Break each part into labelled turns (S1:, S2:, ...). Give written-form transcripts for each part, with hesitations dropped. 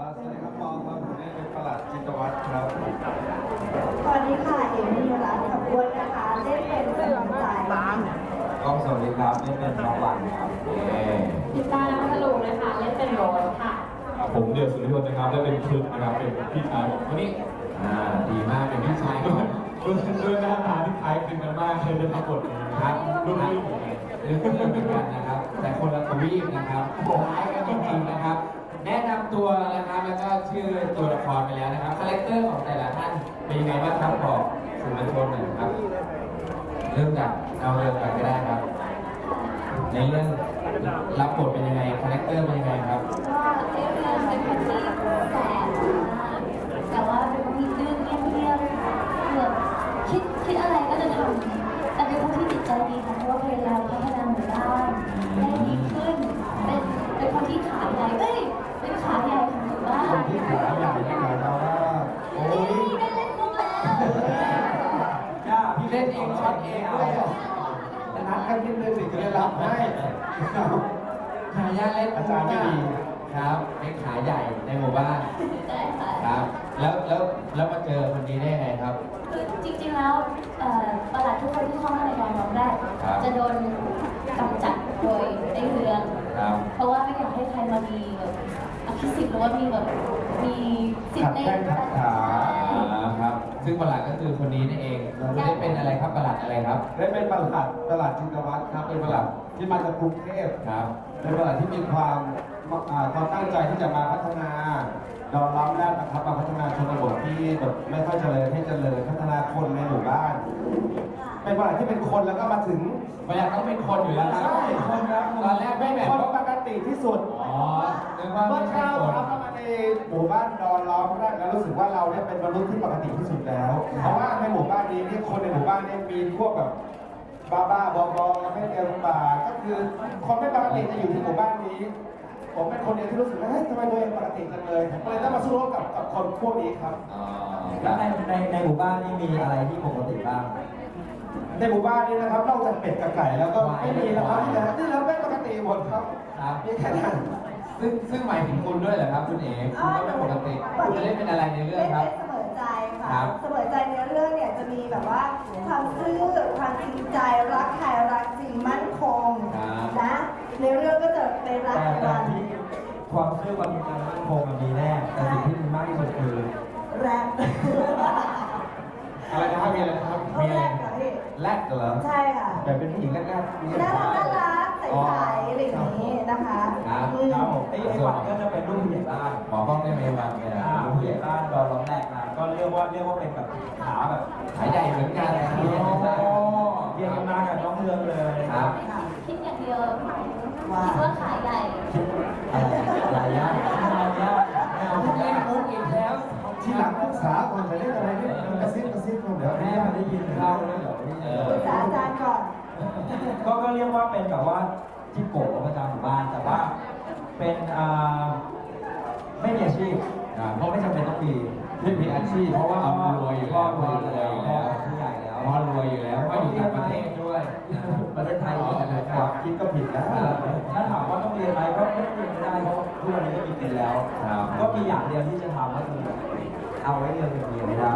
S1: สวัสดีครับปอครับผมนี่เป็นประหลัดจิตวัฒน์ครับ
S2: สวัสดีค่ะเอมิรัตน์ขับวนนะคะเล่นเป็นสมุนใจ
S1: กล้องสวัสดีครับนี่เป็นน้องวันครับ
S3: พิตาและพัทลุงนะคะเล่นเป็นโรสค่ะ
S4: ผมเดียวสุริพลนะครับและเป็นครึกนะครับเป็นพี่ชายคนนี้
S1: ดีมากเป็นพี่ชายก่อน
S4: ด้วยหน้าตาที่คล้ายคลึงกันมากเลยในทั้งหมดนี้
S1: ครับรุ่นพี่เหมือนกันนะครับแต่คนละทวีปนะครับคล้ายกันจริงๆนะครับแนะนำตัวนะครับแล้วก็ชื่อตัวละครไปแล้วนะครับคาแรคเตอร์ของแต่ละท่านเป็นยังไงบ้างครับบอกสื่อมวลชนหน่อยครับเริ่มจากเอาเริ่มจากก็ได้ครับในเรื่องรับบทเป็นยังไงคาแรคเตอร์เป็นยังไงครับ
S2: ก็เรื่องเป็นคนที่แสบมากแต่ว่าเป็นคนที่ดื้อเงียบๆแบบคิดอะไรก็จะทำแต่เป็นคนที่จิตใจดีค่ะเพราะว่าพยายามพัฒนาหมู่บ้านให้ดีขึ้นเป็นคนที่ขาใหญ่เป็นขาใหญ่ของหมู่บ้าน
S1: คนที่ขาใหญ่นี่หมายความว่าโอ้ย
S2: ได้เล่นมุกแล้ว
S1: ย่าพี่เล่นเองช็อตเองด้วยนัดกันนิดนึงสิจะได้รับให้ขายาเล่นอาจารย์ไม่ดีครับเป็นขาใหญ่ในหมู่บ้านครับแล้วมาเจอคนนี้ได้ไงครับ
S2: คือจริงๆแล้วประหลัดทุกคนที่เข้ามาในกองร้องได้จะโดนกำจัดโดยในเรืองเพราะว่าไม่อยากให้ใครมามีแบบอภิสิทธิ์หรือว่ามีแบบมีสิทธิ์ใน
S1: ขัดขาครับซึ่งประหลัดก็คือคนนี้นั่นเองได้เป็นอะไรครับประหลัดอะไรครับได้เป็นประหลัดจิตวัฒน์ครับเป็นประหลัดที่มาจากกรุงเทพครับเป็นประหลัดที่มีความตั้งใจที่จะมาพัฒนาดอนล้อมแรกนะครับมาพัฒนาชนบทที่แบบไม่ค่อยเจริญให้เจริญพัฒนาคนในหมู่บ้านเป็นประหลัดที่เป็นคนแล้วก็มาถึงประหลัดต้องเป็นคนอยู่แล้วครับคนครับตอนแรกไม่แบบคนปกติที่สุดเมื่อเช้าครับเข้ามาในหมู่บ้านดอนล้อมแรกแล้วรู้สึกว่าเราเนี่ยเป็นมนุษย์ที่ปกติที่สุดแล้วเพราะว่าในหมู่บ้านนี้ที่คนในหมู่บ้านเนี่ยมีพวกแบบบ้าบอไม่เต็มปากก็คือคนไม่ปกติจะอยู่ที่หมู่บ้านนี้ผมเป็นคนเดียวที่รู้สึกว่าเฮ้ยทำไมตัวเองปกติจังเลยผมเลยต้องมาสู้รบกับคนพวกนี้ครับ
S5: แล้วในหมู่บ้านนี่มีอะไรที่ปกติบ้าง
S1: ในหมู่บ้านนี้นะครับนอกจากเป็ดกับไก่แล้วก็ไม่มีนะครับที่เราเป็นปกติหมดครับมีแค่นั้นซึ่งหมายถึงคุณด้วยเหรอครับคุณเอ๋คุณก็เป็นปกติคุณจะได้เป็นอะไรในเรื่องครับ
S2: เสมอใจค่ะเสมอใจในเรื่องเนี่ยจะมีแบบว่าความซื่อความจริงใจรักใครรักจริงมั่นคงนะในเรื่องก็จะเป็นรักกัน
S5: ความซื่อความจริงใจมั่นคงมันมีแน่แต่สิ่งที่มีมากที่สุดคือ
S2: แรป
S1: อะไรนะครับมีอะไรครับมีอะไรแรกเหรอ
S2: ใช่ค่ะ
S1: แบบเป็นผู้หญิงแรก
S2: น่ารักใสๆอะไรอย่างนี้นะคะ
S5: ครับผมไอ้วันก็จะเป็นลูกผู้ใหญ่บ้าน
S1: หมอกล้องได้ไหมวันเนี่ย
S5: ผู้ใหญ่บ้านตอนร้องแรกนะก็เรียกว่าเป็นแบบขาแบบ
S1: ขาใหญ่เหมือนกัน
S5: เรียกกันมากับน้องเรืองเลย
S1: ครับ
S2: คิดอย่างเดียวคิดว่าขาใหญ่
S5: อะไรใหญ่
S1: เอาเล่นมุกอีกแล้วที่หลังปรึกษาก่อนจะเล่นอะไรนี่กระซิบเดี๋ยว
S5: แม่มาได้ยินเข้าแล้วเดี๋ยว
S2: ปรึกษาอาจารย์ก่อน
S5: ก็เรียกว่าเป็นแบบว่าที่โกะประจำหมู่บ้านแต่ว่าเป็นไม่มีอาชีพเพราะไม่จำเป็นต้อง
S1: มีอาชีพเพราะว่าเอารวยอยู่แล้ว
S5: รวยอยู่แล้วผู้ใหญ่แล้ว
S1: พอรวยอยู่แล้วก็อยู่ต่างประเทศด้วย
S5: ประเทศไทย
S1: ความคิดก็ผิดแล้ว
S5: ถ้าถามว่าต้องเรียนอะไรก็ไม่เรียนไม่ได้เพราะทุกวันนี้ก็มีกินแล้วก็มีอย่างเดียวที่จะทำก็คือเอาไว้เรียนเป็นเดียวไม่ได้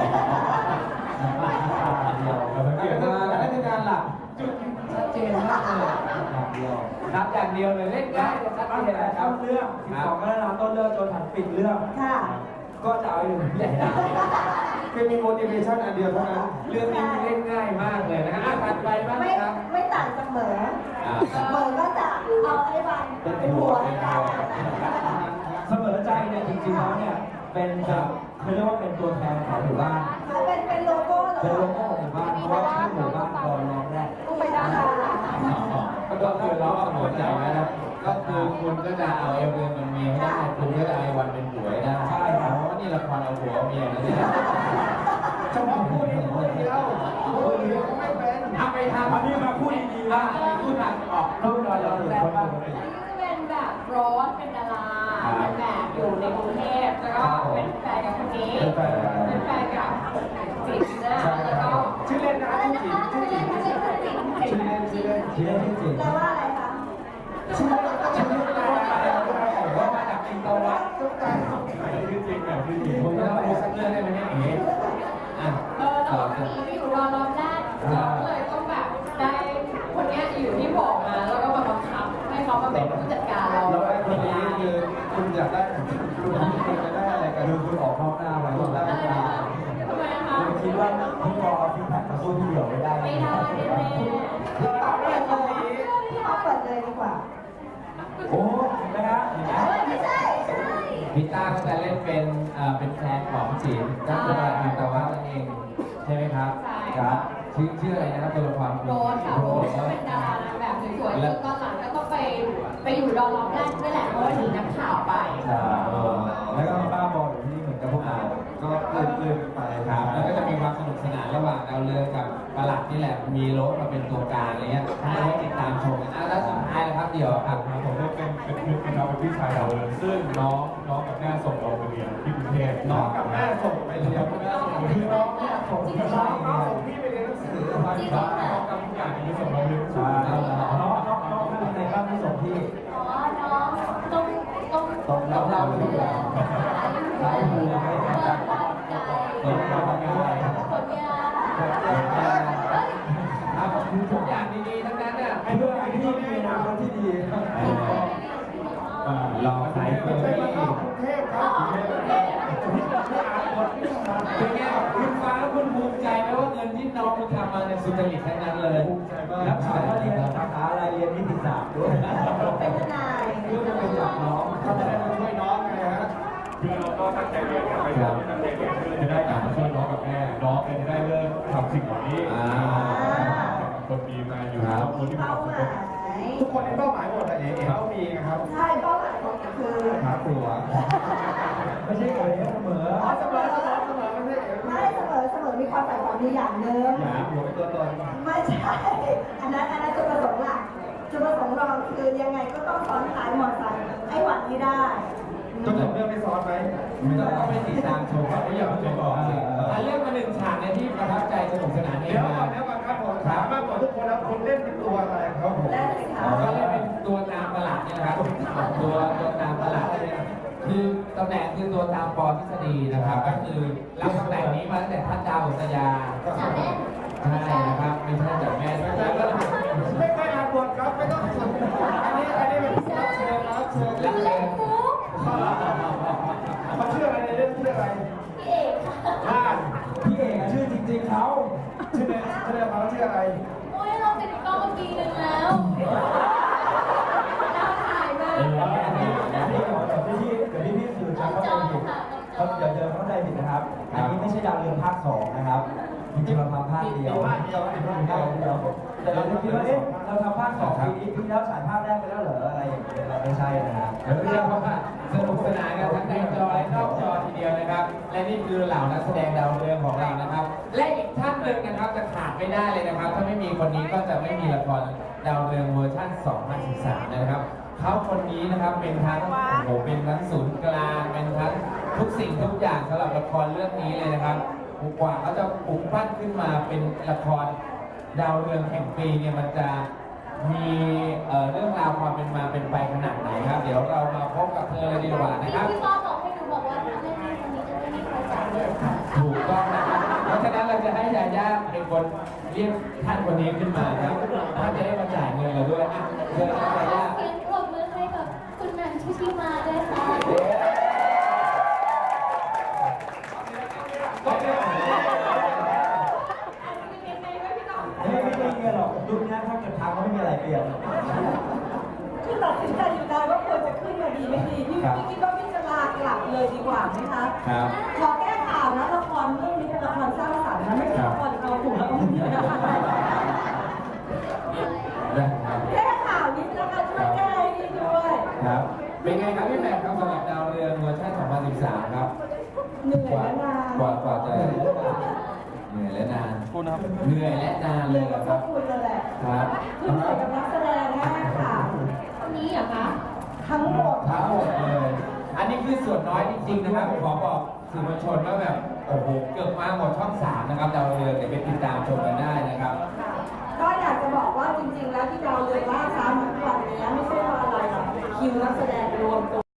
S5: เดียว
S1: สังเกตว่าและในการหลักจุดชัดเจนมากเลย
S5: อย่างเดียว
S1: นับอย่างเดียวเลยเล่นได้ชัดเจน
S5: ต้นเรื่อง12ก็แล้วต้นเรื่องจนถึงปิดเรื่องก็จะเอาอยู่ใหญ่ได้
S1: คือมี motivation อันเดียวเท่านั้นเรื่องนี้เล่นง่ายมากเลยนะฮะถัดไปบ้างครับ
S2: ไม่ต่างจากเหมอก็จะเอาไอ้วันเป็นหัวให้ได้
S5: เสมอใจเนี่ยจริงๆแล้วเนี่ยเป็นเขาเรียกว่าเป็นตัวแทนของหมู่บ้าน
S2: เป็นโลโก้เหรอ
S5: เป็นโลโก้ของหมู่บ้านเพราะว่าชื่อหมู่บ้านตอนร้องแรก
S2: ไม่ได้
S1: ก็คือล้อเสมอใจนะครับก็คือคุณก็จะเอาเอเวอร์เป็นเมียได้คุณก็จะเอาวันเป็นผัวได้
S5: ใช่ครับ
S1: เพราะว่านี่ละครเอาผัวเมียนะเนี่ยเฉพาะพูดนี้คนเดียวพูดนี้ก็ไม่เป็นทำไปทำ
S5: อันนี้มาพูดดีๆว่า
S1: พูดทางออก
S5: รูปเราอยู่คนปกติ
S3: เป็นแบบโรสเป็นดาราเป็นแบบอยู่ในกรุงเทพแล้วก็เป็นแฟนกับคนนี้เป็นแฟนกับจิ๋มนะแล้วก็
S1: ชื่อเล่นนะชื่อจิ๋มชื่อจิ๋ม
S2: แปลว่าอะไรคะ
S1: ชื่อเล่นอะไรว่ามาจากจตวัฒน์ทุกการ
S4: ชื่อจริงแบบชื่อจริง
S1: ผมจะเล่าดูสักเรื่องได้ไหมเนี่ยเอ๋อ่ะ
S3: แล้วก็มีไม่อยู่รอบแรกเราก็เลยต้องแบบได้คนเนี้ยอยู่ที่บอกมาแล้วก็มาบังคับให้เขามาเป็นผู้จัดการเรา
S1: แล้วไอ้คนนี้คือคุณอยากได้คุณจะได้อะไรกัน
S5: คือคุณออกนอกหน้าไป
S1: คุณ
S5: แล้
S1: ได้
S5: ว
S1: ไหม
S3: ทำไมคะ
S5: คุณคิดว่าพี่กอเอาฟิกแพคมาสู้พี่เดี่ยวไม่ได้
S3: ไม่ได้แน่
S1: คุณตอบได้คนนี้
S2: พี่มาเปิดเลยดีกว่า
S5: โอ้เห็นไหมครับเห็นไหม
S2: ไม่ใช่ใช่
S1: พิต้าก็จะเล่นเป็นแฟนของจิ๋มก็คือว่าอยู่ตะวันนั่นเองใช่ไหมครับ ครับชื่ออะไรนะครับตัวละคร
S3: โรสค่ะโรสก็เป็นดารานางแบบสวยๆแล้วตอนหลังก็ต้องไปอยู่รอบแรกด้วยแหละเพราะว่าหนีนักข่าวไป
S5: แล้วก็มีป้าบอลอยู่ที่นี่เหมือนกับพวกเรา
S1: ก็เลื่อนไปครับแล้วก็จะมีความสนุกสนานระหว่างดาวเรืองกับประหลัดนี่แหละมีโรสมาเป็นตัวกลางอะไรเงี้ยให้ติดตามชมกันแล้วสุดท้ายนะครับเดี๋ยวครับ
S4: ผมได้เป็นคลิปนะครับเป็นพี่ชายเราเลยซึ่งน้องกับแม่ส่งเราไปเรียนที่กรุงเทพ
S1: น้องกับแม่ส่งไปเรียนคือน้องเนี่ยส่งพี่ส่งพี่ไปเรียนหนังสือมาที่บ้าน
S4: น้องกับทุกอย่างที่ส่งเราเรียน
S5: ใช่น้องเป็นในบ้านที่ส่งที่
S2: อ๋อน้องต้อง
S1: เราทุกอย่าง
S5: สายมูไม่ได้
S2: ร่างกาย
S5: เปิดร่างกาย
S2: ผลงาน
S1: ครับทุกอย่างดีๆทั้งนั้นเนี่ย
S5: ให้เพื่อนที่มีอนาคตที่ดี
S1: รอสายเฟอร์รี่
S2: อ๋อ
S1: เป็นไงคุณฟ้าคุณภูมิใจไหมว่าเงินที่น้องคุณทำมาเนี่ยสุจริตทั้งนั้นเลย
S5: ภูมิใจมากแล้วถามว่าเรียนสาขาอะไรเรียนนิติศาสตร์ด้วย
S2: เป็นทนาย
S5: เพื่อจะไปจับน้อง
S1: เขาจะได้มาช่วยน้องไงฮะ
S4: คือเราก็ตั้งใจเรียนกันไปตั้งใจเรียนเพื่อจะได้กลับมาช่วยน้องกับแม่น้องจะได้เลิกทำสิ่งเหล่านี้คนดีมาอยู่แล้วคนที่มีความสุข
S1: ทุกคนมีเป้าหมายหมดแต่เอ๋ต้องมีนะครับ
S2: ใช่เป้าหมายของคือ
S1: หาตัว
S5: ไม่ใช่เอ๋เสมอ
S1: เสมอไม่ใช่เอ๋
S6: ไม่เสมอมีความใฝ่ฝันอยู่อย่างหนึ่ง
S1: หาหัวเป็นตัวตน
S6: ไม่ใช่ อันนั้นจุดประสงค์หลักจุดประสงค์รองคือยังไงก็ต้องซ้อนท้ายมอเตอร์ไซค์ให้หวัดให้ได้
S1: จนจบเรื่องไม่ซ้อนไหมต้องไปติดตามชมครับไม่อยากให้บอกเรื่องมาหนึ่งฉากในที่ประทับใจสนุกสนานเดี๋ยวก่อนครับผมถามมากกว่าทุกคนแล้วคุณเล่นเป็นตัวอะไรครับผม
S6: ได้สิคะ
S1: ก็เล่นเป็นตัวนามประหลาดเนี่ยนะครับตัวนามประหลาดคือตำแหน่งคือตัวตามปอทฤษฎีนะครับก็คือรับตำแหน่งนี้มาตั้งแต่ท่านดาวอุตยา
S2: จากแม่
S1: ใช่นะครับไม่ใช่จากแม่ไม่ใช่ไม่อ่านบทครับไม่ต้องอันนี้เป็นรับเชิญรับเชิญ
S2: ดูเล่นมุก
S1: เขาชื่ออะไรในเรื่องชื่ออะไร
S2: พี่เอกค่ะ
S1: บ้าน
S5: พี่เอกชื่อจริงๆเขา
S1: ชื่อเล่นเขาชื่ออะไร
S2: โอ้ยเราติดกล้องมาปีนึงแล้วดาวถ่ายมา
S5: เดี๋ยวพี่สื่อชักเข้าใจผิดเขาเดี๋ยวเข้าใจผิดนะครับ อันนี้ไม่ใช่ดาวเรืองภาค 2 นะครับ จริงๆเราทำภาคเดียวแต่เราคิดว่าเอ๊ะเราทำภาค 2 ปีนี้ปีแล้วฉายภาคแรกไปแล้วเหรออะไรอย่างเงี้ยไม่ใช่นะฮะ
S1: เรียกว่าสนุกสนานกันทั้งในจอและนอกจอทีเดียวนะครับ และนี่คือเหล่านักแสดงดาวเรืองของเรานะครับ และอีกท่านหนึ่งนะครับจะขาดไม่ได้เลยนะครับ ถ้าไม่มีคนนี้ก็จะไม่มีละครดาวเรืองเวอร์ชัน2013นะครับเขาคนนี้นะครับเป็นทั้งโอ้โหเป็นทั้งศูนย์กลางเป็นทั้งทุกสิ่งทุกอย่างสำหรับละครเรื่องนี้เลยนะครับกว่าเขาจะปลุกปั้นขึ้นมาเป็นละครดาวเรืองแห่งปีเนี่ยมันจะมีเรื่องราวความเป็นมาเป็นไปขนาดไหนครับ เดี๋ยวเรามาพบกับเธอเลยดีกว่านะครับ
S2: พี่ป้อบอกให้หนูบอกว่าถ้าเล่นในคนนี้จะไม่มีใครจ่ายเลยค่ะ
S1: ถูกต้องนะครับเพราะฉะนั้นเราจะให้ยาย่าเป็นคนเรียกท่านคนนี้ขึ้นมาครับท่านจะได้มาจ่ายเงินเราด้วยอ่ะเชิญครับยาย่า
S2: เสียงปรบมือให้กับคุณแหม่มชุติมาด้วยค่ะ
S1: ก็เป็น
S5: ไม่ได้เงี้ยหรอกยุคนี้ถ้าเกิดทางก็ไม่มีอะไรเปลี่ยน
S6: คือตัดสินใจอยู่นานว่าควรจะขึ้นมาดีไม่ดีพี่คิดว่าพี่จะลากลับเลยดีกว่าไหมคะ
S1: ครับ
S6: ขอแก้ข่าวนะละครเรื่องนี้เป็นละครสร้างสรรค์นะไม่ใช่ละครเอาถูกแล้วก็ไม่ได้แก้ข่าวนิดนะคะช่วยแก้ให้ดีด้วย
S1: ครับ เป็นไงครับพี่แหม่มครับสำหรับดาวเรืองเวอร์ชัน2013ครับ
S6: เหนื่อยและนาน
S1: กว่าจะเหนื่อยและนานเหนื่อยและนาน
S6: เห
S1: เล
S6: นื่อย
S1: ย
S6: กับ
S1: ค
S6: พว
S1: รั
S6: ก
S1: บ
S6: คุณเลยแหละ
S1: ครับ
S6: คือเหนื่อยกับนักแสดงแน่ค่ะ
S3: คนนี้เหรอคะ
S6: ทั้งหมด
S1: ทั้งหมดเลย อันนี้คือส่วนน้อยจริงๆนะครับขอบอกสื่อมวลชนว่าแบบโอ้โหเกือบมาหมดช่อง 3 นะครับดาวเรืองเดี๋ยวไปติดตามชมกันได้นะครับ
S6: ก็อยากจะบอกว่าจริงๆ แล้วที่ดาวเรืองล่าช้ามา